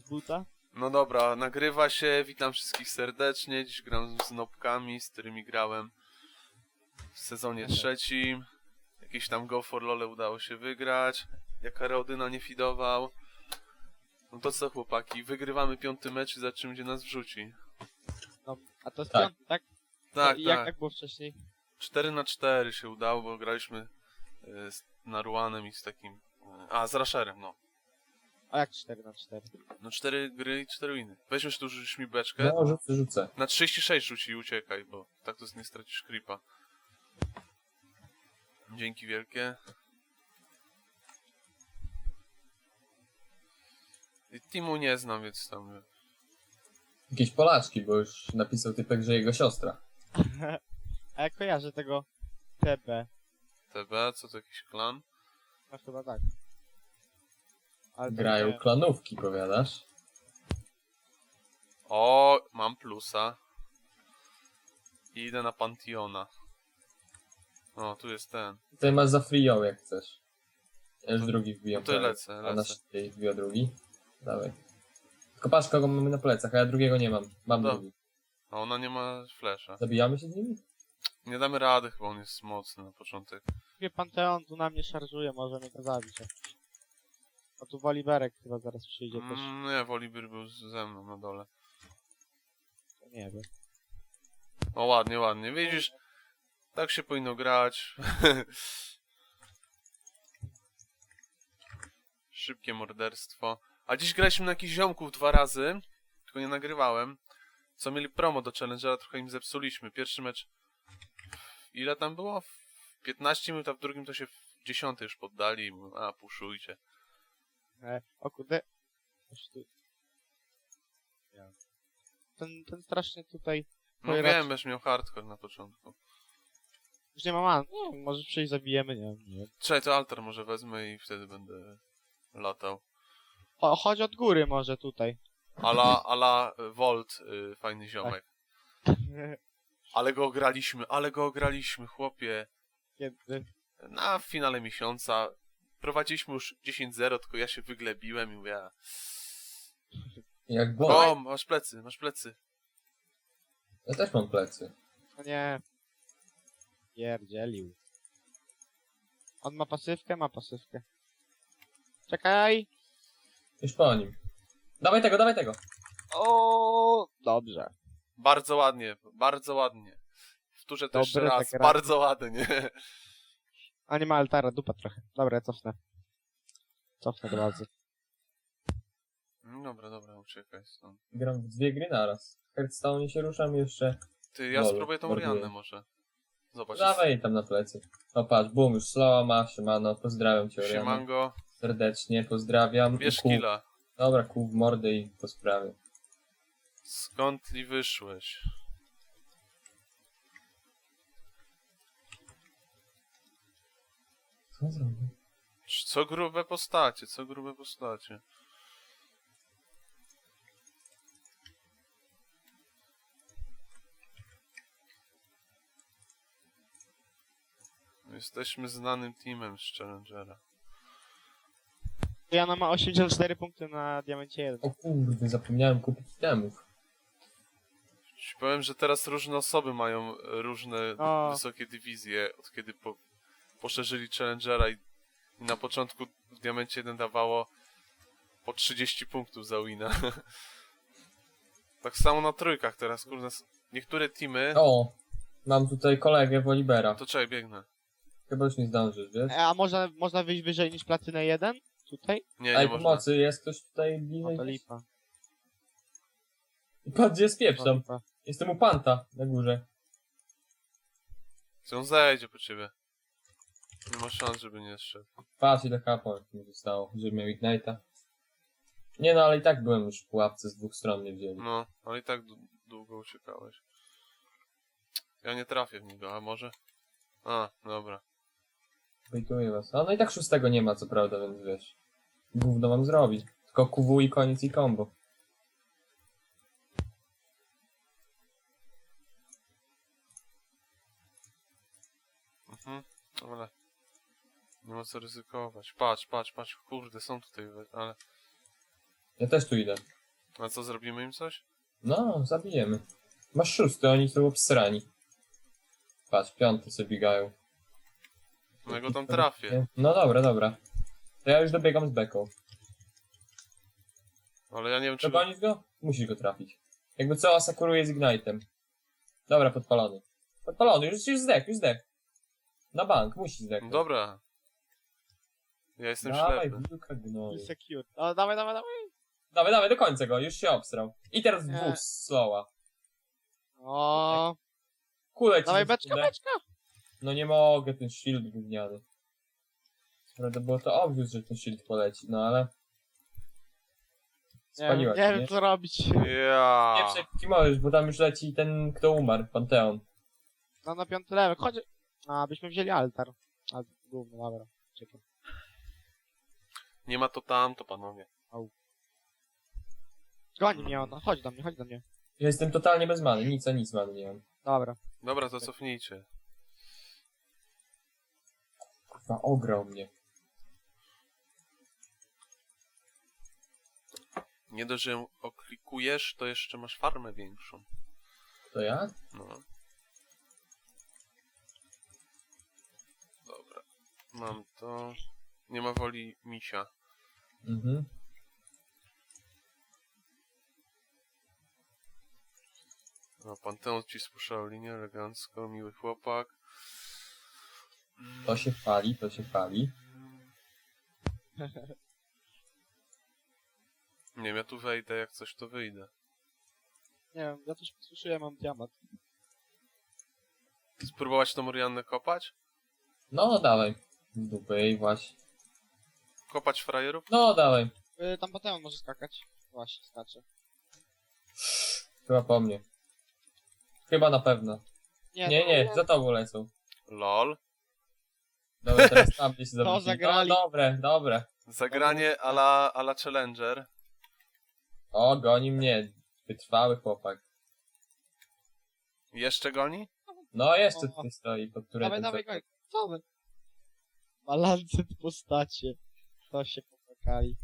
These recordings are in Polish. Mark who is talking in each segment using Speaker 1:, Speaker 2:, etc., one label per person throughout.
Speaker 1: z buta.
Speaker 2: No dobra, nagrywa się, witam wszystkich serdecznie. Dziś gram z nopkami, z którymi grałem w sezonie trzecim. Jakiś tam Go for Lole udało się wygrać. Jaka Reodyna nie fidował. No to co, chłopaki, wygrywamy 5. mecz i zobaczymy, gdzie nas wrzuci.
Speaker 1: No, a to jest
Speaker 3: Tak.
Speaker 1: piąty, tak?
Speaker 2: Tak,
Speaker 1: I
Speaker 2: tak.
Speaker 1: jak było wcześniej?
Speaker 2: 4-4 się udało, bo graliśmy z Naruanem i z takim... z Rasherem, no.
Speaker 1: A jak 4-4?
Speaker 2: No 4 gry i 4 winy. Weźmiesz tu, rzucisz mi beczkę.
Speaker 3: No, rzucę.
Speaker 2: Na 36 rzuci i uciekaj, bo tak to nie stracisz creepa. Dzięki wielkie. I Timu nie znam, więc tam...
Speaker 3: Jakieś Polaczki, bo już napisał typek, że jego siostra.
Speaker 1: A jak kojarzę tego TB?
Speaker 2: TB, co to jakiś klan?
Speaker 1: No chyba tak. Ale to
Speaker 3: Grają
Speaker 1: nie.
Speaker 3: klanówki, powiadasz?
Speaker 2: O, mam plusa. I idę na Pantiona. O, tu jest ten.
Speaker 3: Tutaj masz za free jak chcesz. Ja już
Speaker 2: To-
Speaker 3: drugi wbijam.
Speaker 2: no to
Speaker 3: prawie.
Speaker 2: lecę,
Speaker 3: A
Speaker 2: lecę.
Speaker 3: nasz tutaj wbija drugi. Dawaj. Tylko patrz, kogo mamy na plecach, a ja drugiego nie mam. Mam
Speaker 2: No.
Speaker 3: drugi.
Speaker 2: A ona nie ma flasha.
Speaker 3: Zabijamy się z nimi?
Speaker 2: Nie damy rady, chyba on jest mocny na początek.
Speaker 1: Wie Panteon tu na mnie szarżuje, może mnie to zabić. A tu Woliberek chyba zaraz przyjdzie też.
Speaker 2: Nie, Volibear był ze mną na dole.
Speaker 1: To nie wiem.
Speaker 2: O, ładnie, ładnie. Widzisz, tak się powinno grać. Szybkie morderstwo. A dziś graliśmy na jakichś ziomków 2 razy, tylko nie nagrywałem. Co mieli promo do Challengera, trochę im zepsuliśmy. Pierwszy mecz... Ile tam było? W 15 minut, a w drugim to się w 10 już poddali. A, puszujcie.
Speaker 1: O kurde. Coś tu... Ja. Ten strasznie tutaj...
Speaker 2: No
Speaker 1: Oj,
Speaker 2: wiem, będziesz miał hardcore na początku.
Speaker 1: Już nie ma man. Nie, może przyjść, zabijemy, nie wiem.
Speaker 2: Czekaj, to altar może wezmę i wtedy będę latał.
Speaker 1: O, chodź od góry może tutaj.
Speaker 2: Ala Volt, fajny ziomek. Ale go ograliśmy, chłopie.
Speaker 1: Kiedy?
Speaker 2: Na finale miesiąca. Prowadziliśmy już 10-0, tylko ja się wyglebiłem i mówię...
Speaker 3: Jak bo.
Speaker 2: O, masz plecy, masz plecy.
Speaker 3: Ja też mam plecy.
Speaker 1: No nie. Pierdzielił. On ma pasywkę? Ma pasywkę. Czekaj!
Speaker 3: Już po nim. Dawaj tego, dawaj tego.
Speaker 1: O, dobrze.
Speaker 2: Bardzo ładnie, bardzo ładnie. Wtórzę to jeszcze
Speaker 1: Dobre
Speaker 2: raz,
Speaker 1: zagranie.
Speaker 2: bardzo ładnie.
Speaker 1: A nie ma altara, dupa trochę. Dobra, ja cofnę. Cofnę do bazy.
Speaker 2: Dobra, dobra, uciekaj stąd.
Speaker 3: Gram w 2 gry naraz. W Hearthstone się ruszam jeszcze.
Speaker 2: Ty, ja
Speaker 3: Lol,
Speaker 2: spróbuję tą
Speaker 3: morduję.
Speaker 2: Riannę może. Zobacz.
Speaker 3: Dawaj jej tam na plecy. O patrz, boom, już slowa ma, siemano, pozdrawiam cię, Oriana.
Speaker 2: Siemango,
Speaker 3: Serdecznie, pozdrawiam.
Speaker 2: bierz
Speaker 3: I kół.
Speaker 2: killa.
Speaker 3: Dobra, kół w mordę i po sprawie.
Speaker 2: Skąd li wyszłeś?
Speaker 3: Co zrobił?
Speaker 2: Co grube postacie, co grube postacie. Jesteśmy znanym teamem z Challengera.
Speaker 1: Jana ma 84 punkty na diamencie 1.
Speaker 3: O kurde, zapomniałem kupić itemów.
Speaker 2: Ci powiem, że teraz różne osoby mają różne
Speaker 1: O.
Speaker 2: wysokie dywizje, od kiedy poszerzyli Challengera i na początku w Diamencie 1 dawało po 30 punktów za wina. Tak samo na trójkach teraz, kurde, niektóre teamy...
Speaker 3: O! Mam tutaj kolegę Wolibera.
Speaker 2: To czekaj, biegnę.
Speaker 3: Chyba już nie zdążysz, wiesz?
Speaker 1: A można wyjść wyżej niż platynę 1? Tutaj?
Speaker 2: Nie, nie
Speaker 3: Ej,
Speaker 2: można.
Speaker 3: pomocy, jest ktoś tutaj
Speaker 1: No
Speaker 3: bliżej?
Speaker 1: to lipa.
Speaker 3: I patrz, gdzie jest
Speaker 1: To
Speaker 3: pieprzam.
Speaker 1: lipa.
Speaker 3: Jestem u Panta na górze.
Speaker 2: On zejdzie po ciebie. Nie ma szans, żeby nie zszedł.
Speaker 3: Patrz, ile kapła mi zostało, żeby miał Ignite'a. Nie no, ale i tak byłem już w pułapce, z 2 stron mnie wzięli.
Speaker 2: No, ale i tak długo uciekałeś. Ja nie trafię w niego, a może? A, dobra.
Speaker 3: Bejtuję was. A no i tak 6 nie ma, co prawda, więc wiesz. Gówno mam zrobić. Tylko QW i koniec i combo.
Speaker 2: Ale nie ma co ryzykować. Patrz, patrz, patrz, kurde, są tutaj, ale...
Speaker 3: Ja też tu idę.
Speaker 2: A co, zrobimy im coś?
Speaker 3: No, zabijemy. Masz 6, oni są obsrani. Patrz, 5 sobie biegają.
Speaker 2: No ja go tam trafię.
Speaker 3: No dobra, dobra. To ja już dobiegam z beką.
Speaker 2: Ale ja nie wiem, czy...
Speaker 3: Przegonisz go? Musisz go trafić. Jakby co, asakuruje z Ignite'em. Dobra, podpalony. Podpalony, już zdech, już zdech. Na bank, musi zdech.
Speaker 2: No dobra. Ja jestem
Speaker 3: Dawaj,
Speaker 2: ślepy.
Speaker 3: wilka gnoju.
Speaker 1: Secure. O, dawaj, dawaj, dawaj.
Speaker 3: Dawaj, dawaj, do końca go, już się obsrał. I teraz
Speaker 1: Nie.
Speaker 3: dwóch slowa.
Speaker 1: O,
Speaker 3: Kulę ci
Speaker 1: dawaj
Speaker 3: za
Speaker 1: beczka,
Speaker 3: sekundę.
Speaker 1: beczka.
Speaker 3: No nie mogę, ten shield gówniany. Prawda było to obvious, że ten shield poleci, no ale...
Speaker 1: Nie,
Speaker 3: Spaliła
Speaker 1: nie
Speaker 3: cię,
Speaker 1: wiem
Speaker 3: nie?
Speaker 1: co robić.
Speaker 2: Ja.
Speaker 3: Nie przejpki możesz, bo tam już leci ten, kto umarł, Panteon.
Speaker 1: No na 5 level, chodź. A, byśmy wzięli altar. Altar, gówno, dobra. Czekaj.
Speaker 2: Nie ma to tam, to panowie.
Speaker 1: Goni mnie ona, chodź do mnie, chodź do mnie.
Speaker 3: Ja jestem totalnie bez many, nic a nic many nie mam.
Speaker 1: Dobra.
Speaker 2: Dobra, to cofnijcie.
Speaker 3: Kurwa, ograł mnie.
Speaker 2: Nie dość, że ją oklikujesz, to jeszcze masz farmę większą.
Speaker 3: To ja?
Speaker 2: No. Dobra. Mam to. Nie ma woli misia.
Speaker 3: Mhm.
Speaker 2: No, Panteon ci spuszczał linię elegancko, miły chłopak.
Speaker 3: To się chwali, to się chwali.
Speaker 2: Nie wiem, ja tu wejdę, jak coś to wyjdę.
Speaker 1: Nie wiem, ja też posłyszę, mam diament.
Speaker 2: Spróbować tą Oriannę kopać?
Speaker 3: No, dawaj. Z dupy i właśnie.
Speaker 2: Kopać frajerów?
Speaker 3: No, dawaj.
Speaker 1: Tam Panteon może skakać. Właśnie, skacze.
Speaker 3: Chyba po mnie. Chyba na pewno. Nie, za tobą lecą.
Speaker 2: LOL.
Speaker 3: Dobra, teraz tam gdzieś się zawrócili.
Speaker 1: zagrali.
Speaker 3: No, dobre.
Speaker 2: Zagranie ala Challenger.
Speaker 3: O, goni mnie. Wytrwały chłopak.
Speaker 2: Jeszcze goni?
Speaker 3: No, jeszcze
Speaker 1: O.
Speaker 3: tutaj stoi, pod którym...
Speaker 1: Dawaj, dawaj, dawaj. Co wy? Balancet postacie. To się popłakali.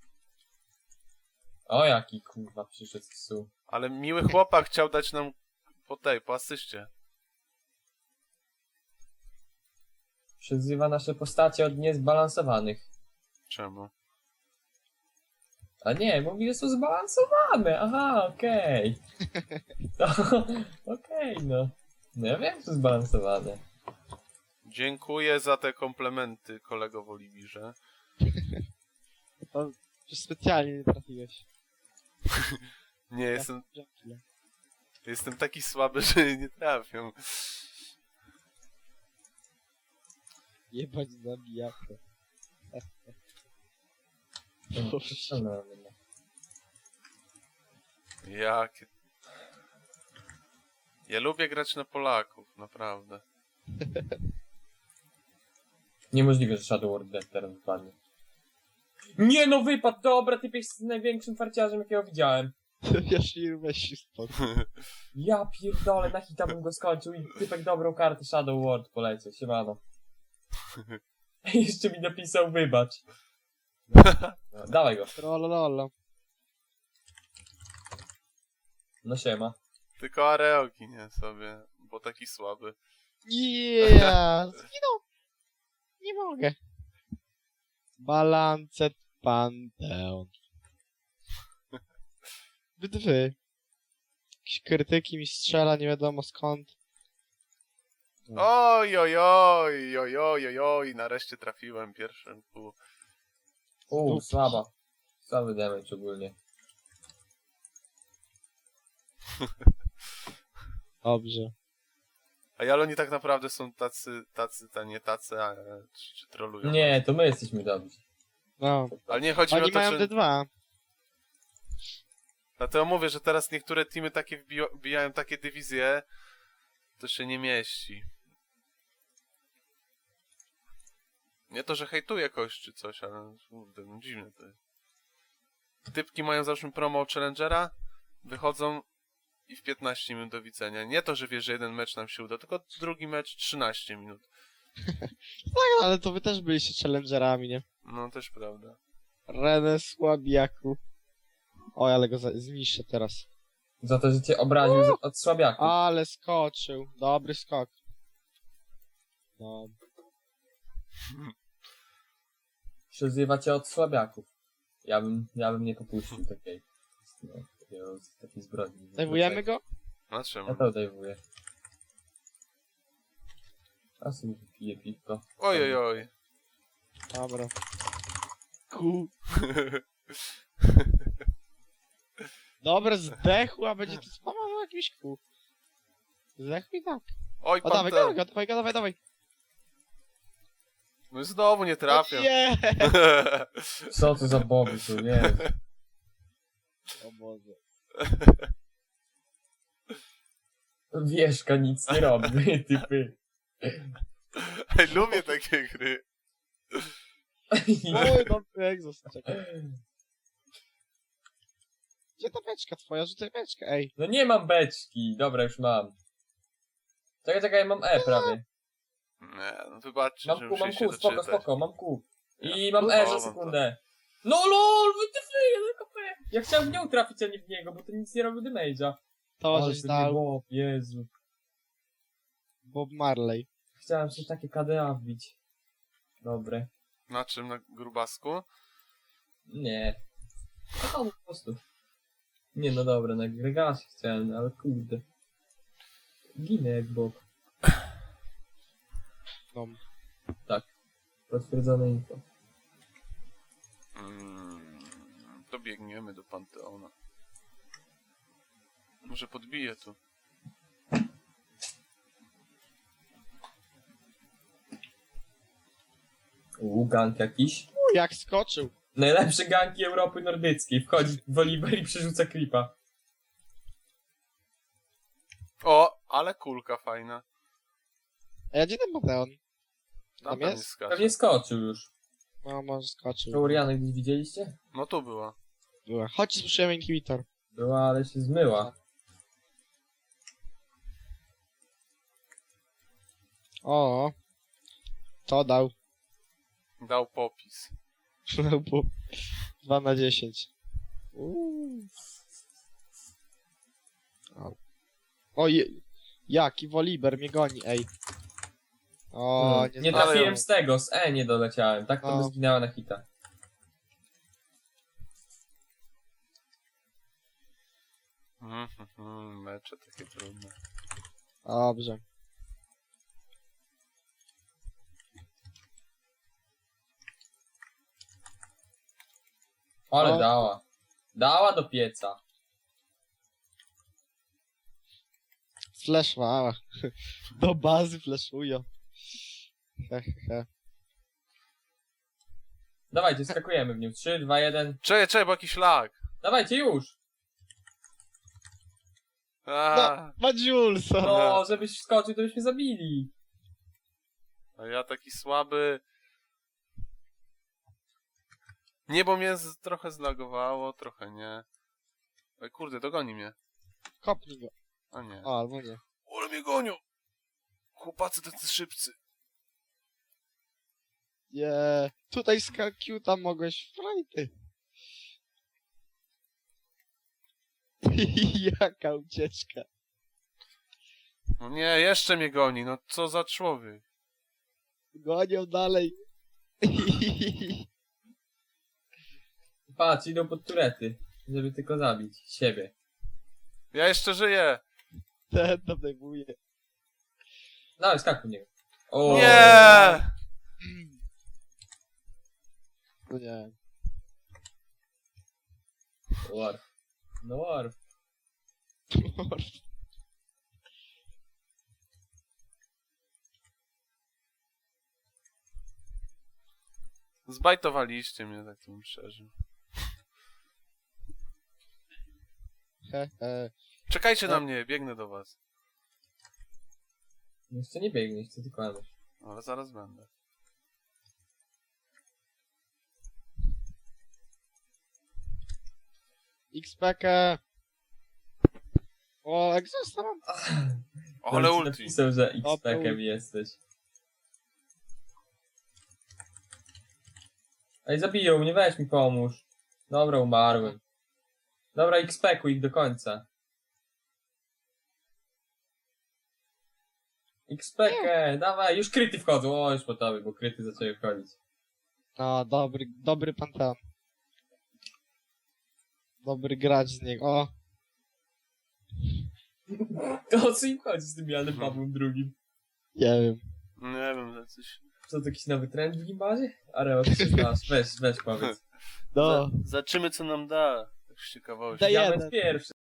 Speaker 3: O, jaki kurwa przyszedł z psu.
Speaker 2: Ale miły chłopak chciał dać nam po asyście.
Speaker 3: Przyzywa nasze postacie od niezbalansowanych.
Speaker 2: Czemu?
Speaker 3: A nie, mówi, że są zbalansowane. Aha, okej. To, okej, no. No ja wiem, że są zbalansowane.
Speaker 2: Dziękuję za te komplementy, kolego w Oliwirze.
Speaker 1: To przecież specjalnie nie trafiłeś.
Speaker 2: Nie,
Speaker 1: Dzięki.
Speaker 2: jestem taki słaby, że nie trafią.
Speaker 1: Jebać zabijakę.
Speaker 3: No,
Speaker 2: Jakie... Ja lubię grać na Polaków, naprawdę.
Speaker 3: Niemożliwe, że Shadow World Death teraz wypadnie. Nie no, wypadł! Dobra, ty jesteś największym farciarzem, jakiego widziałem.
Speaker 1: Jaśmir, weź się stąd.
Speaker 3: Ja pierdolę, na hita bym go skończył i typek dobrą kartę Shadow World poleciał, siemano. Jeszcze mi napisał wybacz. No, dawaj go.
Speaker 1: Trollololo.
Speaker 3: No siema.
Speaker 2: Tylko Areoki, nie sobie, bo taki słaby.
Speaker 1: Yeah! Zginął! Nie mogę. Balancet Panteon. Wy. Jakieś krytyki mi strzela, nie wiadomo skąd.
Speaker 2: Oj, oj, oj, oj, oj, oj, oj, nareszcie trafiłem pierwszym pół.
Speaker 3: Słaba. Słaby damage ogólnie.
Speaker 1: Dobrze.
Speaker 2: A ale oni tak naprawdę są nie tacy, a czy trolują.
Speaker 3: Nie, to my jesteśmy dobrzy.
Speaker 1: No.
Speaker 2: Ale nie chodzi mi o
Speaker 1: Oni
Speaker 2: to,
Speaker 1: mają
Speaker 2: że...
Speaker 1: D2.
Speaker 2: Dlatego mówię, że teraz niektóre teamy takie wbijają takie dywizje, to się nie mieści. Nie to, że hejtuję kogoś czy coś, ale kurde, no dziwne to jest. Typki mają załóżmy promo Challengera, wychodzą i w 15 minut do widzenia. Nie to, że wiesz, że jeden mecz nam się uda, tylko drugi mecz 13 minut.
Speaker 1: Tak, ale to wy też byliście challengerami, nie?
Speaker 2: No też prawda.
Speaker 1: René Słabiaku. Oj, ale go zniszczę teraz.
Speaker 3: Za to, że cię obraził od słabiaków.
Speaker 1: Ale skoczył. Dobry skok. No.
Speaker 3: Przyzywa cię od słabiaków. Ja bym nie popuścił takiej zbrodni.
Speaker 1: Dajwujemy go?
Speaker 2: Na
Speaker 3: Ja
Speaker 2: czemu?
Speaker 3: to dajwuję. A sobie piję piwko.
Speaker 2: Oj, oj, oj.
Speaker 1: Dobra. Ku. Dobra, zdechł, a będzie tu spamował jakiś ku. Zdechł i tak.
Speaker 2: Oj,
Speaker 1: O, dawaj,
Speaker 2: pan
Speaker 1: dawaj, dawaj, dawaj.
Speaker 2: No i znowu nie trafiam.
Speaker 1: Nie!
Speaker 3: Co to za boby tu, nie?
Speaker 1: O Boże.
Speaker 3: Wieszka nic nie robi, typy.
Speaker 2: Ej, lubię takie gry.
Speaker 1: Oj, dobry egzos, czekaj. Gdzie ta beczka twoja? Rzucaj beczkę, ej.
Speaker 3: No nie mam beczki. Dobra, już mam. Czekaj, mam E prawie.
Speaker 2: Nie, no wybaczcie, że
Speaker 3: Mam
Speaker 2: muszę się
Speaker 3: Q, spoko,
Speaker 2: doczytać.
Speaker 3: spoko, mam Q. I
Speaker 2: Ja
Speaker 3: mam E za
Speaker 2: próbowałem
Speaker 3: sekundę. No lol, wytyfy, KP. Ja chciałem w nią trafić, a nie w niego, bo to nic nie robi damage'a.
Speaker 1: To
Speaker 3: Ale
Speaker 1: żeś
Speaker 3: ty
Speaker 1: dał
Speaker 3: Bob, Jezu.
Speaker 1: Bob Marley.
Speaker 3: Chciałem sobie takie KDA wbić. Dobre.
Speaker 2: Na czym? Na grubasku?
Speaker 3: Nie. No po prostu. Nie, no dobra, na Gregasie chciałem, ale kurde. Ginę jak Bob.
Speaker 1: No.
Speaker 3: Potwierdzone info.
Speaker 2: To biegniemy do Panteona. Może podbiję tu.
Speaker 3: Gank jakiś.
Speaker 1: Jak skoczył.
Speaker 3: Najlepsze ganki Europy Nordyckiej. Wchodzi w Oliver i przerzuca klipa.
Speaker 2: O, ale kulka fajna.
Speaker 1: A gdzie ten Panteon?
Speaker 2: Tam
Speaker 1: jest?
Speaker 2: nie skacze.
Speaker 3: Pewnie skoczył już.
Speaker 1: No, może skoczył.
Speaker 3: Taurianę gdzieś widzieliście?
Speaker 2: No tu była.
Speaker 1: Była. Chodź, spuszczujemy inhibitor.
Speaker 3: Była, ale się zmyła.
Speaker 1: O, to dał.
Speaker 2: Dał popis.
Speaker 1: Dał po 2 na 10. Au. O, jaki Woliber mnie goni, ej. O,
Speaker 3: Nie
Speaker 2: ale-
Speaker 3: trafiłem z tego, z E nie doleciałem. Tak to by
Speaker 1: No.
Speaker 3: zginęła na hita.
Speaker 2: Mecze takie trudne.
Speaker 1: Dobrze.
Speaker 3: Ale
Speaker 1: No.
Speaker 3: dała. Dała do pieca.
Speaker 1: Flashwała. Do bazy flashują. He, he, he.
Speaker 3: Dawajcie, skakujemy w nią. 3, 2, 1.
Speaker 2: Czekaj, bo jakiś lag.
Speaker 3: Dawajcie już!
Speaker 2: A,
Speaker 1: Ma Julesa.
Speaker 3: No, żebyś wskoczył, to byśmy zabili.
Speaker 2: a ja taki słaby. Nie, bo mnie trochę zlagowało, trochę nie. Oj kurde, dogoni mnie.
Speaker 1: Kopnij go.
Speaker 2: A nie.
Speaker 1: O, albo nie.
Speaker 2: Ale mnie gonią! Chłopacy tacy szybcy.
Speaker 1: Nie. Tutaj z Q tam mogłeś frajty. Jaka ucieczka.
Speaker 2: No nie, jeszcze mnie goni, no co za człowiek.
Speaker 1: Gonią dalej.
Speaker 3: Patrz, idą pod turety. Żeby tylko zabić siebie.
Speaker 2: Ja jeszcze żyję!
Speaker 1: Ten tam najmuje.
Speaker 3: Dawaj, skakuj w niego. O,
Speaker 2: Nie!
Speaker 1: No nie.
Speaker 3: Warf. No warf.
Speaker 2: Zbajtowaliście mnie, tak to bym przeżył.
Speaker 1: He, he.
Speaker 2: Czekajcie na mnie, biegnę do was.
Speaker 3: Jeszcze nie biegnie, jeszcze tylko Anusz.
Speaker 2: Ale zaraz będę.
Speaker 1: X-Packę. O, egzosta mam.
Speaker 2: Ale
Speaker 3: Ci
Speaker 2: ulti.
Speaker 3: napisał, że
Speaker 1: Dobra,
Speaker 3: X-Packiem
Speaker 1: ulti.
Speaker 3: jesteś. Ej, zabiją mnie, weź mi pomóż. Dobra, umarłem. Dobra, XP-kuj ich do końca. XP-kę, dawaj, już kryty wchodzą. O, już po tobie, bo kryty zaczęły wchodzić.
Speaker 1: No, dobry panteon. Dobry gracz z niego. O,
Speaker 3: To o co im chodzi z tym Janem Pawłem II?
Speaker 1: nie wiem.
Speaker 2: Nie wiem, że coś...
Speaker 3: Co, to jakiś nowy trend w gimbazie? Areo, ty się znasz, weź powiedz.
Speaker 1: No,
Speaker 2: Zobaczymy, co nam da. Tak z ciekawości.
Speaker 1: Daję.
Speaker 3: Diament pierwszy.